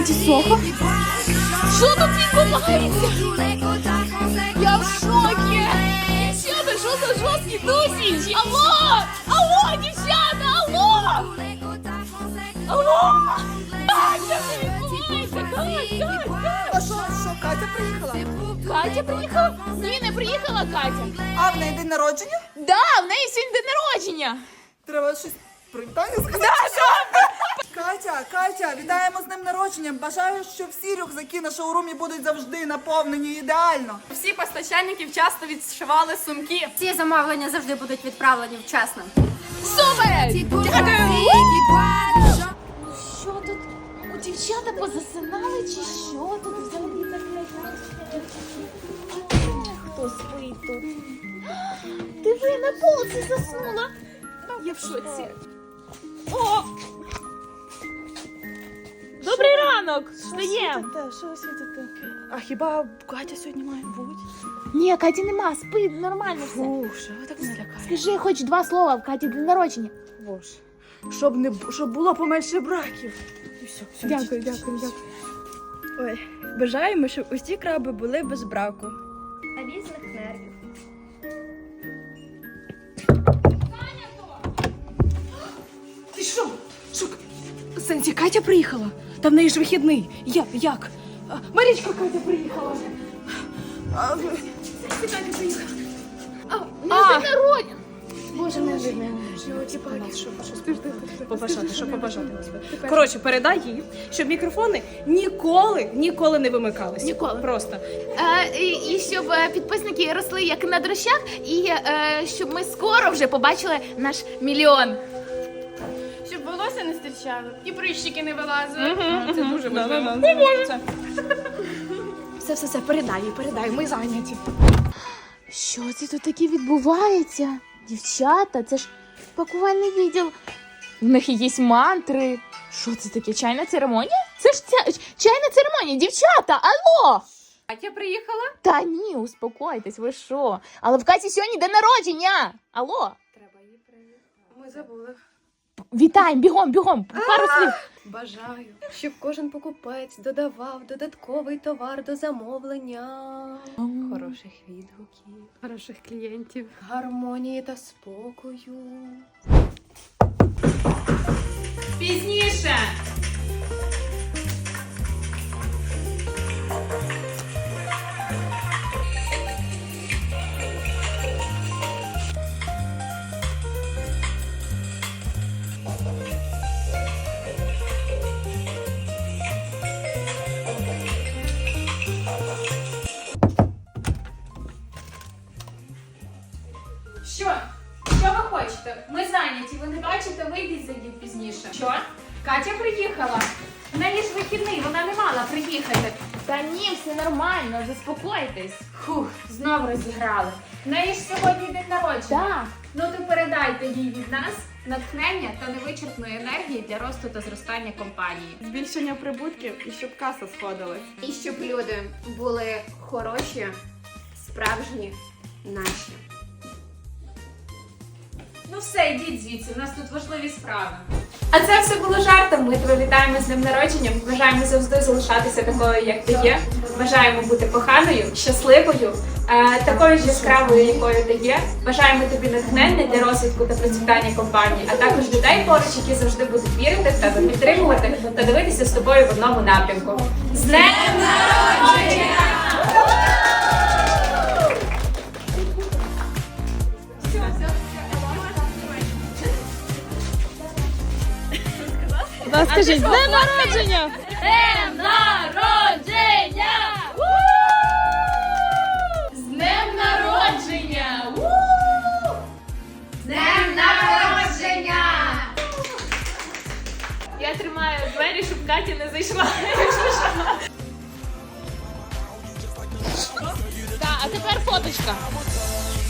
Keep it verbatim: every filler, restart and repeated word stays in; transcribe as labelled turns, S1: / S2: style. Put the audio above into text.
S1: Каті Сохо? Що тут відбувається? Я в шокі! Дівчата, що за жорсткі тусі? Алло! Алло, дівчата, алло! Алло! Катя, що відбувається? Катя, Катя!
S2: А що, що, Катя приїхала?
S1: Катя приїхала? Ні, не приїхала Катя.
S2: А в неї день народження?
S1: Да, в неї сьогодні день народження.
S2: Треба щось привітання сказати. Катя, Катя, вітаємо з днем народження. Бажаю, щоб всі рюкзаки на шоурумі будуть завжди наповнені ідеально.
S3: Всі постачальники вчасно відшивали сумки.
S4: Всі замовлення завжди будуть відправлені вчасно.
S1: Супер! Дякую! Що тут? У дівчата позасинали чи що тут взагалі таке? Хто спить тут? Диви, на полці заснула. Я в шоці. О! Добрий ранок! Встаєм!
S2: Що світите? А хіба Катя сьогодні має бути?
S1: Ні, Каті нема, спи, нормально все.
S2: Ух, що ви так не лякаєте?
S1: Скажи хоч два слова в Каті день народження.
S2: Боже, щоб, не, бу- щоб було поменше браків. І все, все.
S1: Дякую, дякую, дякую.
S5: Ой, бажаємо, щоб усі краби були без браку.
S4: А різних нервів.
S2: Ти що? Що? Сенсі, Катя приїхала? Та в неї ж вихідний. Як? Як? А, Марічка Катя приїхала. А, Сенсі, Катя приїхала.
S1: А, день народження. Боже, не видно.
S6: Побажати, що побажати. Коротше, передай їй, щоб мікрофони ніколи, ніколи не вимикалися.
S1: Ніколи.
S6: Просто.
S1: Е, і, і щоб е, підписники росли як на дрощах, і е, щоб ми скоро вже побачили наш мільйон.
S3: Щоб волосся не стирчало і прищики не вилазили.
S6: Це дуже важливо. Це.
S1: Все, все, все, передай їй, передай, ми зайняті. Що це тут таке відбувається? Дівчата, це ж пакувальний відділ. В них якісь мантри. Що це таке? Чайна церемонія? Це ж ця... чайна церемонія, дівчата, алло!
S3: Катя приїхала?
S1: Та ні, успокойтесь, ви що? Але в Каті сьогодні день народження! Алло!
S3: Треба її привітати. Ми забули.
S1: Вітаємо, бігом, бігом, пару слів.
S5: Бажаю, щоб кожен покупець додавав додатковий товар до замовлення. Хороших відгуків,
S3: Хороших клієнтів.
S5: гармонії та спокою.
S3: Пізніше! Що? Що ви хочете? Ми зайняті, ви не бачите, вийдіть, зайдіть пізніше. Що? Катя приїхала. В неї ж вихідний, вона не мала приїхати.
S1: Та ні, все нормально, заспокойтесь.
S3: Фух, знов розіграли. В неї ж сьогодні день народження.
S1: Так.
S3: Ну то передайте їй від нас натхнення та невичерпної енергії для росту та зростання компанії.
S6: Збільшення прибутків і щоб каса сходилась.
S4: І щоб люди були хороші, справжні, наші.
S3: Ну все, йдіть звідси, у нас тут важливі справи. А це все було жартом. Ми тебе вітаємо з днем народження. Бажаємо завжди залишатися такою, як ти є. Бажаємо бути коханою, щасливою, е, такою ж яскравою, якою ти є. Бажаємо тобі натхнення для розвитку та процвітання компанії, а також людей поруч, які завжди будуть вірити в тебе, підтримувати та дивитися з тобою в одному напрямку. З днем народження!
S6: Скажіть, з днем народження!
S3: Днем народження! З днем народження!
S4: З днем народження!
S3: Я тримаю двері, щоб Катя не зайшла.
S1: Так, а тепер фоточка.